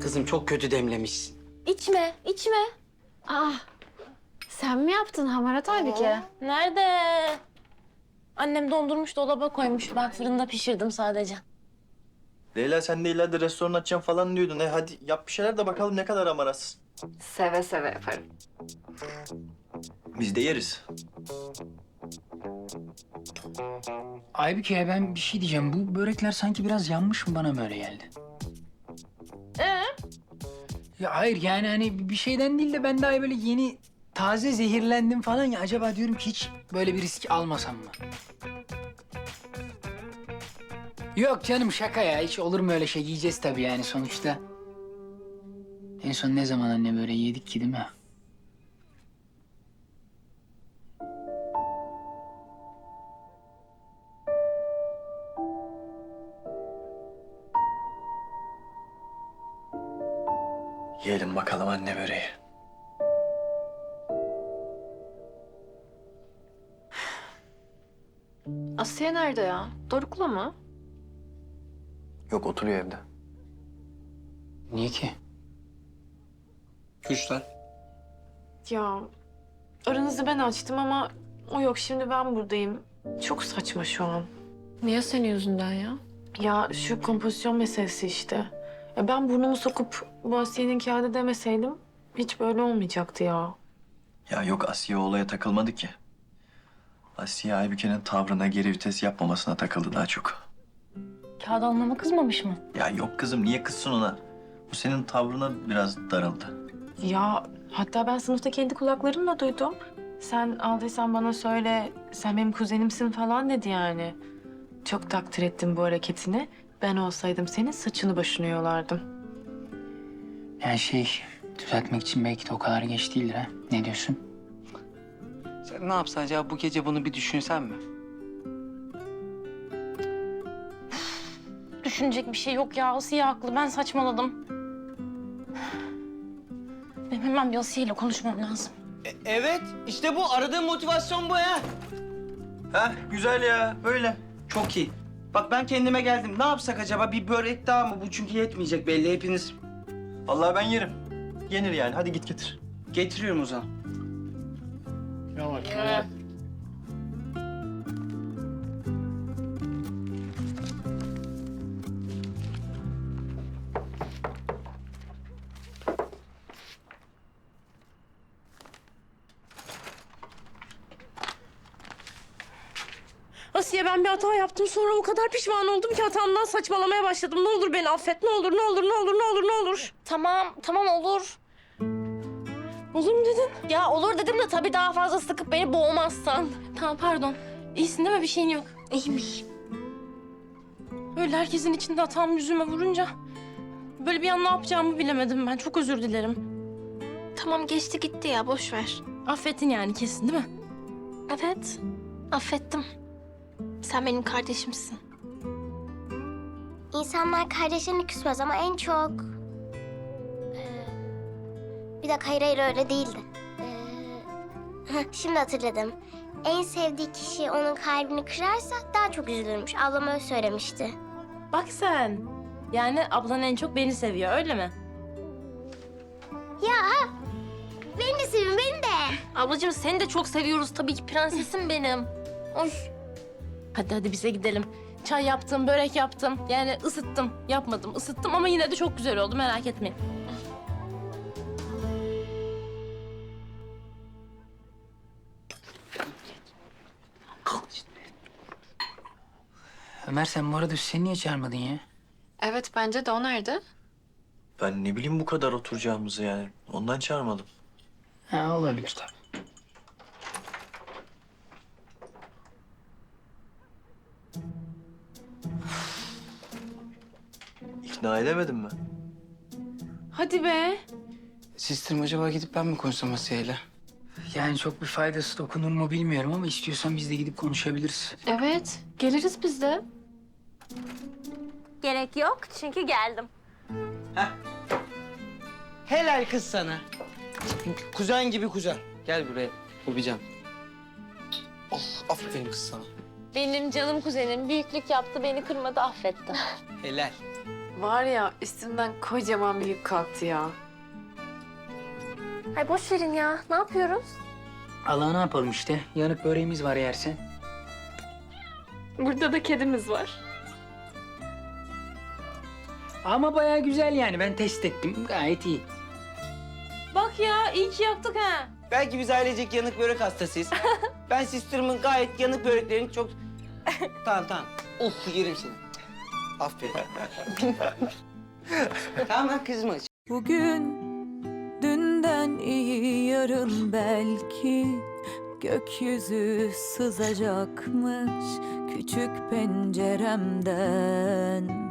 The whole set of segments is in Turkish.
Kızım çok kötü demlemişsin. İçme, içme. Sen mi yaptın Hamarat Aybike? Nerede? Annem dondurmuş, dolaba koymuş. Ben fırında pişirdim sadece. Leyla sen de ileride restoran açacağım falan diyordun. Hadi yap bir şeyler de bakalım ne kadar amarat. Seve seve yaparım. Biz de yeriz. Aybüke ben bir şey diyeceğim. Bu börekler sanki biraz yanmış mı, bana mı öyle geldi? Ya hayır yani hani bir şeyden değil de ben daha böyle yeni taze zehirlendim falan ya. Acaba diyorum ki hiç böyle bir risk almasam mı? Yok canım şaka ya. Hiç olur mu öyle şey? Yiyeceğiz tabii yani sonuçta. En son ne zaman anne böyle yedik ki değil mi? Yiyelim bakalım anne böreği. Asiye nerede ya? Doruk'la mı? Yok oturuyor evde. Niye ki? Kuşlar. Ya aranızı ben açtım ama o yok, şimdi ben buradayım. Çok saçma şu an. Niye senin yüzünden ya? Ya şu kompozisyon meselesi işte. Ya ben burnumu sokup bu Asiye'nin kağıdı demeseydim hiç böyle olmayacaktı ya. Ya yok Asiye olaya takılmadı ki. Asiye Aybüke'nin tavrına geri vites yapmamasına takıldı daha çok. Kağıt almama kızmamış mı? Ya yok kızım niye kızsın ona? Bu senin tavrına biraz darıldı. Ya hatta ben sınıfta kendi kulaklarımla duydum. Sen aldıysan bana söyle, sen benim kuzenimsin falan dedi yani. Çok takdir ettim bu hareketini. Ben olsaydım senin saçını başını yolardım. Yani düzeltmek için belki de o kadar geç değildir ha. Ne diyorsun? Sen ne yapsan acaba bu gece bunu bir düşünsen mi? Düşünecek bir şey yok ya. Asiye haklı. Ben saçmaladım. Benim hemen bir Asiye ile konuşmam lazım. Evet, işte bu. Aradığım motivasyon bu ya. Ha güzel ya böyle. Çok iyi. Bak ben kendime geldim. Ne yapsak acaba? Bir börek daha mı? Bu çünkü yetmeyecek belli hepiniz. Vallahi ben yerim. Yenir yani hadi git getir. Getiriyorum o zaman. Asiye ben bir hata yaptım. Sonra o kadar pişman oldum ki hatamdan saçmalamaya başladım. Ne olur beni affet. Ne olur, ne olur, ne olur, ne olur, ne olur. Tamam olur. Olur mu dedin? Ya olur dedim de tabii daha fazla sıkıp beni boğmazsan. Tamam pardon. İyisin değil mi? Bir şeyin yok. İyiyim. Böyle herkesin içinde hatam yüzüme vurunca... böyle bir an ne yapacağımı bilemedim ben. Çok özür dilerim. Tamam geçti gitti ya, boş ver. Affettin yani kesin değil mi? Evet, affettim. Sen benim kardeşimsin. İnsanlar kardeşlerini küsmez ama en çok... Bir dakika, hayır öyle değildi. Şimdi hatırladım. En sevdiği kişi onun kalbini kırarsa daha çok üzülürmüş. Ablam öyle söylemişti. Bak sen. Yani ablan en çok beni seviyor öyle mi? Ya beni de sevin, beni de. Ablacığım seni de çok seviyoruz tabii ki prensesim benim. Oy. Hadi bize gidelim. Çay yaptım, börek yaptım. Yani ısıttım, yapmadım, ısıttım ama yine de çok güzel oldu merak etmeyin. Ömer sen bu arada Hüseyin'i niye çağırmadın ya? Evet, bence de. O nerede? Ben ne bileyim bu kadar oturacağımızı yani. Ondan çağırmadım. Ha olabilir tabii. İkna edemedim mi? Hadi be. Sistem acaba gidip ben mi konuşsam Asiye'yle? Yani çok bir faydası dokunur mu bilmiyorum ama istiyorsan biz de gidip konuşabiliriz. Evet, geliriz biz de. Gerek yok çünkü geldim. Helal kız sana. Kuzen gibi kuzen. Gel buraya. Öpeceğim. Oh, aferin kız sana. Benim canım kuzenim büyüklük yaptı beni kırmadı affetti. Helal. Var ya üstümden kocaman bir yük kalktı ya. Ay boş verin ya. Ne yapıyoruz? Allah ne yapalım işte. Yanık böreğimiz var yersen. Burada da kedimiz var. Ama bayağı güzel yani. Ben test ettim. Gayet iyi. Bak ya iyi ki yaktık ha. Belki biz ailecek yanık börek hastasıyız. Ben sisterim'in gayet yanık böreklerini çok... Tamam. Of yerim seni. Aferin. Tamam kızma. Bugün dünden iyi yarın belki gökyüzü sızacakmış küçük penceremden.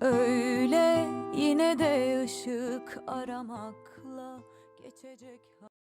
Öyle yine de ışık aramakla geçecek.